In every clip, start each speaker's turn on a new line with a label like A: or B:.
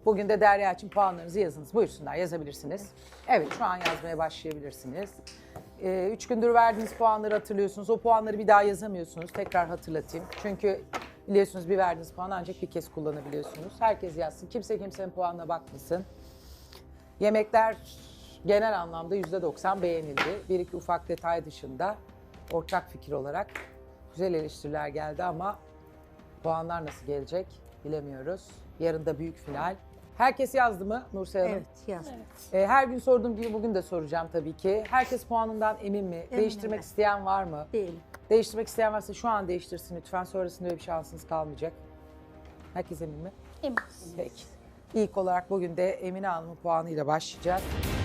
A: Bugün de Derya için puanlarınızı yazınız. Buyursunlar, yazabilirsiniz. Evet, şu an yazmaya başlayabilirsiniz. 3 gündür verdiğiniz puanları hatırlıyorsunuz. O puanları bir daha yazamıyorsunuz. Tekrar hatırlatayım. Çünkü biliyorsunuz bir verdiğiniz puanı ancak bir kez kullanabiliyorsunuz. Herkes yazsın. Kimse kimsenin puanına bakmasın. Yemekler genel anlamda %90 beğenildi. Bir iki ufak detay dışında ortak fikir olarak güzel eleştiriler geldi ama puanlar nasıl gelecek bilemiyoruz. Yarın da büyük final. Herkes yazdı mı Nursel Hanım?
B: Evet yazdım.
A: Her gün sorduğum gibi bugün de soracağım tabii ki. Herkes puanından emin mi? Değiştirmek
B: ben.
A: isteyen var mı?
B: Değil.
A: Değiştirmek isteyen varsa şu an değiştirsin lütfen. Sonrasında öyle bir şansınız kalmayacak. Herkes emin mi?
C: Eminiz.
A: Peki. İlk olarak bugün de Emine Hanım'ın puanıyla başlayacağız.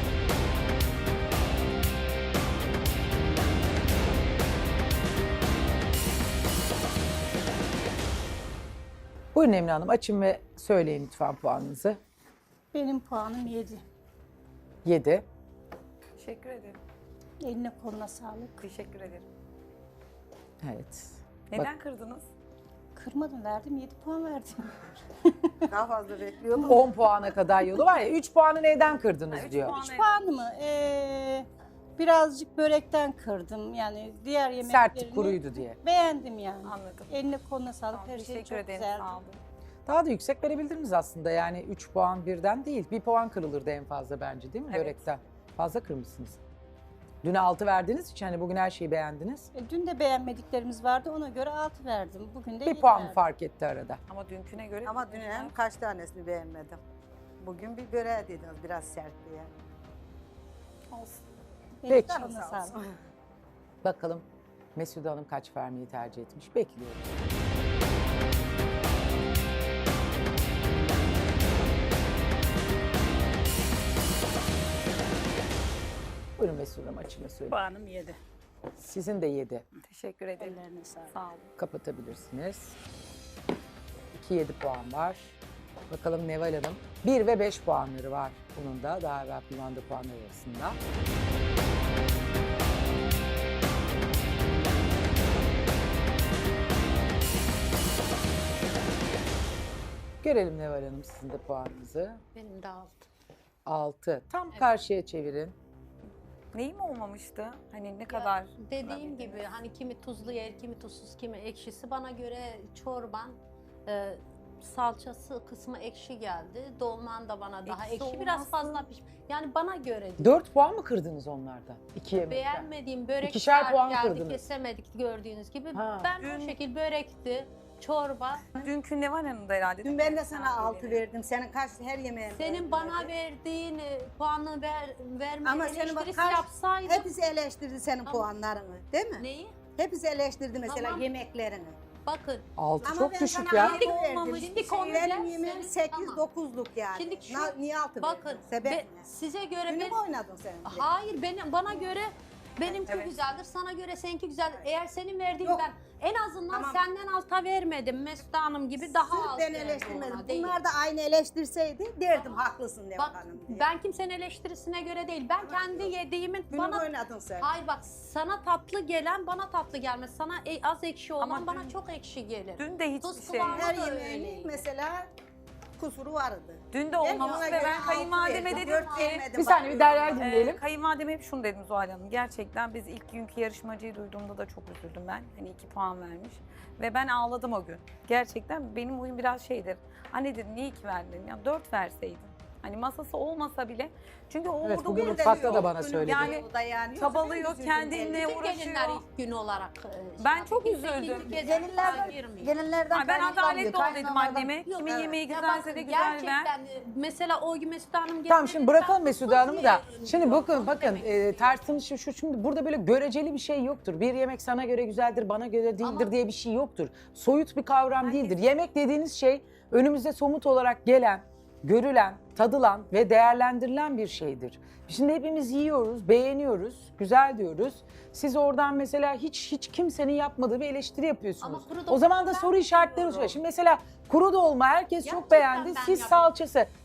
A: Buyurun Emine Hanım, açın ve söyleyin lütfen puanınızı.
C: Benim puanım 7.
A: 7.
D: Teşekkür ederim.
C: Eline koluna sağlık.
D: Teşekkür ederim.
A: Evet.
D: Neden kırdınız?
C: Kırmadım, verdim, 7 puan verdim.
B: Daha fazla bekliyordum.
A: 10 puana kadar yolu var ya, 3 puanı neden kırdınız
D: üç
A: diyor.
D: puan.
C: 3 puanımı birazcık börekten kırdım. Yani diğer yemeklerini
A: Sertti, kuruydu diye.
C: beğendim yani.
D: Anladım.
C: Eline koluna sağlık.
D: Tamam,
C: Her şey
D: teşekkür
C: çok
D: ederim.
C: güzeldi.
D: Sağ olun.
A: Daha da yüksek verebilirdiniz aslında, yani 3 puan birden değil. 1 puan kırılırdı en fazla bence, değil mi
D: Evet.
A: börekten? Fazla kırmışsınız. Dün 6 verdiğiniz için hani bugün her şeyi beğendiniz.
C: Dün de beğenmediklerimiz vardı. Ona göre 6 verdim. Bugün de
A: 1
C: 7
A: puan mı
C: verdim.
A: fark etti arada?
D: Ama dünküne göre...
B: Ama dün hem kaç tanesini beğenmedim. Bugün bir böreğe dediniz biraz sert diye.
D: Olsun.
C: Eline
A: Peki.
C: koluna sağlık.
A: Bakalım Mesude Hanım kaç vermeyi tercih etmiş. Bekliyorum. Buyurun Mesude Hanım, açın ve söyleyin.
C: Puanım 7.
A: Sizin de 7.
D: Teşekkür ederim.
C: Ellerine sağlık.
D: Sağ olun.
A: Kapatabilirsiniz. 2-7 puan var. Bakalım Neval Hanım. 1 ve 5 puanları var bunun da daha evvel kullandığı puanlar arasında. Görelim Neval Hanım sizin de puanınızı.
E: Benim de 6.
A: 6. Tam karşıya çevirin.
D: Neyim olmamıştı? Hani ne kadar...
E: Dediğim gibi hani kimi tuzlu yer, kimi tuzsuz, kimi ekşisi. Bana göre çorban salçası kısmı ekşi geldi. Dolman da bana daha
D: Ekşi
E: ekşi. Biraz
D: olması-
E: fazla Yani bana göre değil.
A: 4 puan mı kırdınız onlardan? 2 yemekten.
E: Beğenmediğim börek
A: İkişer puan
E: geldi,
A: kırdınız.
E: kesemedik gördüğünüz gibi.
A: Ha.
E: Ben
D: Dün-
E: o şekil börekti, çorba.
D: Dünkü Neval Hanım'da herhalde.
B: Dün ben de sana 6 verdim. Senin kaç her yemeğin
E: Senin bana verdiğin puanı verme
B: Ama senin bak
E: eleştirisi yapsaydın.
B: hepsi eleştirdi senin puanlarını, değil mi?
E: Neyi?
B: Hepsi eleştirdi mesela
E: Tamam.
B: yemeklerini.
E: Bakın
A: 6
B: Ama
A: çok
B: ben
A: düşük
B: sana
A: ya.
B: altı
E: Şimdi
B: verdim.
E: olmamış, şimdi konu
B: Benim
E: gel,
B: yemeğim
E: sen-
B: 8-9'luk yani.
E: Şimdi şu-
B: Niye 6
E: bakın
B: verdin? Sebep ne?
E: size göre
B: Günü
E: ben...
B: mü oynadın sen?
E: Hayır, bana göre benimki
D: Evet.
E: güzeldir, sana göre seninki güzeldir. Eğer senin verdiğin
B: Yok.
E: ben en azından
B: Tamam.
E: senden alta vermedim. Mesut Hanım gibi daha
B: Sırf
E: alt
B: ben
E: verdim
B: eleştirmedim.
E: ona, değil.
B: Bunlar da aynı eleştirseydi derdim haklısın Neval
E: Bak
B: Hanım diye.
E: ben kimsenin eleştirisine göre değil. Ben kendi yediğimin
B: Günü
E: bana...
B: oynadın sen.
E: Hayır bak sana tatlı gelen bana tatlı gelmez. Sana az ekşi olan
D: Ama
E: bana
D: dün-
E: çok ekşi gelir.
D: Dün de
E: Tuz
D: hiçbir şey...
E: kıvamı-
B: Her
E: da
B: yemeğinin
E: öyleydi.
B: mesela kusuru vardı.
D: Dün de
B: Ben
D: olmamış
B: ona
D: ve
B: göre
D: ben
B: altı
D: kayınvalideme
B: verdim,
D: dedim
B: dört
D: ki...
B: vermedim.
A: Bir saniye bir Derya'yı dinleyelim.
D: Kayınvalideme hep şunu dedim Zuhal Hanım. Gerçekten biz ilk günkü yarışmacıyı duyduğumda da çok üzüldüm ben. Hani 2 puan vermiş. Ve ben ağladım o gün. Gerçekten benim huyum biraz şeydir. Anne dedim niye 2 verdin? Ya 4 verseydin. Hani masası olmasa bile. Çünkü o
A: Evet,
D: orada
A: bugün
D: burada
A: mutfakta
D: yok.
A: da bana söyledi.
D: Yani
B: O da yani
D: çabalıyor, kendinle
E: Bütün
D: uğraşıyor.
E: gelinler ilk gün olarak.
D: Ben çok
E: kimse
D: üzüldüm.
E: ikinci kez
F: Gelinlerden,
E: girmiyor.
F: gelinlerden
D: Ay ben adaletli ol dedim
F: kaynanalardan-
D: anneme.
E: Yok,
D: Kimin
E: evet.
D: yemeği
E: Ya
D: güzelse
E: bakın,
D: de güzel ver.
E: gerçekten, mesela o gün Mesut Hanım
A: Tamam
E: gelmedi,
A: şimdi bırakalım
E: ben
A: Mesude
E: tuz
A: Hanım'ı da.
E: yerim.
A: Şimdi bakın
E: Demek
A: tartışın şu şimdi burada böyle göreceli bir şey yoktur. Bir yemek sana göre güzeldir, bana göre değildir
E: Ama-
A: diye bir şey yoktur. Soyut bir kavram değildir. Yemek dediğiniz şey önümüzde somut olarak gelen, görülen, tadılan ve değerlendirilen bir şeydir. Şimdi hepimiz yiyoruz, beğeniyoruz, güzel diyoruz. Siz oradan mesela hiç kimsenin yapmadığı bir eleştiri yapıyorsunuz.
E: Ama kuru
A: O
E: dolma
A: zaman da
E: ben
A: soru işaretleri
E: yapıyorum.
A: oluyor. Şimdi mesela kuru dolma herkes çok
E: Gerçekten
A: beğendi.
E: ben
A: Siz
E: yapıyorum.
A: salçası.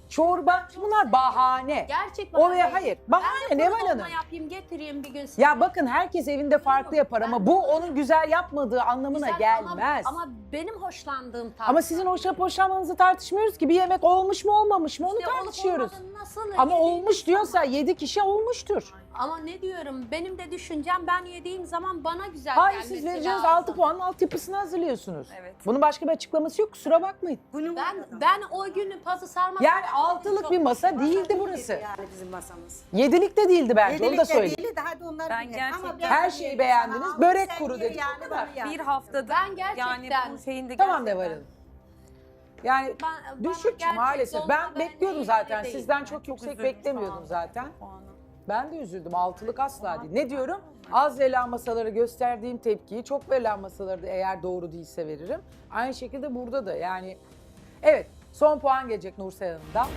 A: çorba, bunlar bahane.
E: Gerçek
A: O ve
E: bahane.
A: hayır,
E: Ben
A: bahane
E: de
A: Neval
E: kuru dolma
A: Hanım.
E: yapayım getireyim bir gün size.
A: Ya bakın herkes evinde farklı yapar ama bu onun güzel yapmadığı anlamına
E: Güzel
A: gelmez.
E: Ama benim hoşlandığım tarzda.
A: Ama sizin hoşlanıp hoşlanmanızı tartışmıyoruz ki. Bir yemek olmuş mu olmamış mı onu
E: İşte olup
A: tartışıyoruz.
E: olmadığını nasıl
A: Ama
E: yediğiniz
A: olmuş diyorsa
E: zaman-
A: 7 kişi olmuştur.
E: Ama ne diyorum, benim de düşüncem ben yediğim zaman bana güzel
A: Hayır
E: gelmesi
A: siz vereceğiniz
E: lazım.
A: 6 puanın altyapısını hazırlıyorsunuz.
D: Evet.
A: Bunun başka bir açıklaması yok, kusura bakmayın.
B: Günün
E: Ben o günü pazı sarmasam...
A: Yani altılık bir masa değildi burası.
B: Yani bizim masamız.
A: 7'lik de değildi bence, onu da
B: Yedilikte
A: söyleyeyim.
B: değildi, hadi onlar
D: Ben
B: dinle.
D: gerçekten-
B: Ama ben
A: Her şeyi beğendiniz,
B: sana
A: börek
B: sen
A: kuru
B: ye
A: dedik,
B: yani
A: o kadar.
B: bana
D: Bir
B: yani.
D: haftadır
E: Ben gerçekten-
D: yani bu şeyin de
A: Tamam
D: gerçekten-
A: Neval Hanım. Yani
E: Bana
A: düşük
E: gerçek
A: maalesef.
E: dolma
A: Ben bekliyordum zaten.
E: değil.
A: Sizden çok
D: Çok
A: yüksek
D: üzüldüm
A: beklemiyordum
D: şu an.
A: zaten.
D: Puanı.
A: Ben de üzüldüm. Altılık asla değil. Ne diyorum? Az verilen masalara gösterdiğim tepkiyi çok verilen masalara da eğer doğru değilse veririm. Aynı şekilde burada da yani. Evet, son puan gelecek Nursel Hanım'dan.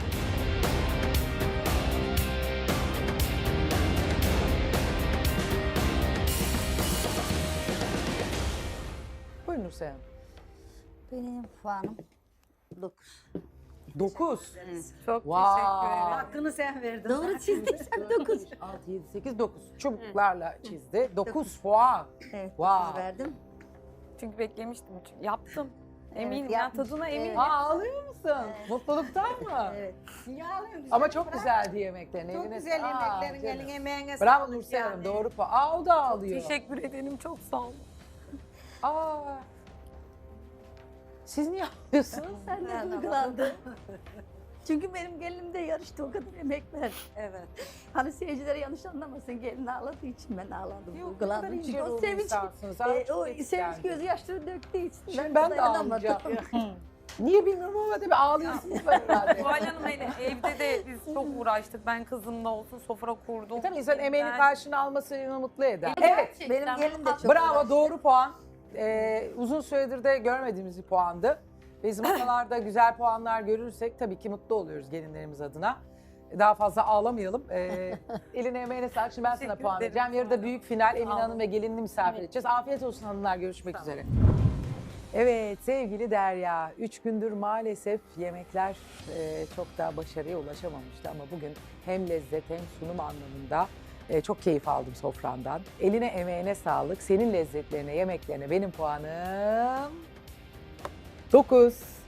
A: Buyurun Nursel Hanım.
C: Benim puanım 9.
A: 9.
D: Çok
A: Wow.
D: teşekkür ederim.
B: Hakkını sen verdin.
C: Doğru çizdiysen 9.
A: 6, 7, 8, 9. Çubuklarla çizdi. 9 puan.
C: Evet,
A: Wow.
C: 9 verdim.
D: Çünkü beklemiştim. Yaptım. Eminim
C: Evet,
D: ya
C: yapmış.
D: tadına eminim.
C: Evet.
A: Aa, ağlıyor musun? Mutluluktan mı?
C: Evet.
A: Ama çok güzeldi yemeklerin.
B: Çok
A: eline
B: güzel
A: sağlık.
B: yemeklerin,
A: Canım.
B: eline emeğine
A: Bravo
B: sağlık
A: Nursel Hanım,
B: yani.
A: doğru puan. Aa, o da ağlıyor.
D: Teşekkür ederim. Çok sağ olun.
A: Aa. Siz niye ağlıyorsunuz?
C: Ben de duygulandım. Çünkü benim gelinim de yarıştı, o kadar emek verdi.
B: Evet.
C: Hani seyircilere yanlış anlamasın, gelin ağladığı için ben ağladım,
A: Yok, ne kadar
C: duygulandım.
A: ince
C: Çünkü o
A: ruhlu
C: sevinç,
A: insansınız. Aa, çok
C: o
A: etkilendum.
C: sevinç gözyaşları döktüğü için
A: Şimdi ben de
C: dayanamadım.
A: ağlayacağım. Niye bilmiyorum ama tabii ağlıyorsunuz var herhalde.
D: Zuhal Hanım evde de biz çok uğraştık. Ben kızımla olsun sofra kurdum.
A: Tabii insan emeğinin
D: Ben-
A: karşılığını alması onu mutlu eder. Evet.
E: Gerçekten
C: Benim gelinim de
E: bu-
C: çok
A: Bravo,
C: uğraştı.
A: doğru puan. Uzun süredir de görmediğimiz bir puandı. Biz masalarda güzel puanlar görürsek tabii ki mutlu oluyoruz gelinlerimiz adına. Daha fazla ağlamayalım. Eline emeğine sağlık. Şimdi ben sana
D: Teşekkür
A: puan
D: ederim.
A: vereceğim. Yarıda büyük final. Emine
D: olun.
A: Hanım ve gelinini misafir edeceğiz. Afiyet olsun hanımlar. Görüşmek üzere. Evet sevgili Derya, 3 gündür maalesef yemekler çok daha başarıya ulaşamamıştı ama bugün hem lezzet hem sunum anlamında çok keyif aldım sofrandan. Eline emeğine sağlık, senin lezzetlerine, yemeklerine benim puanım 9.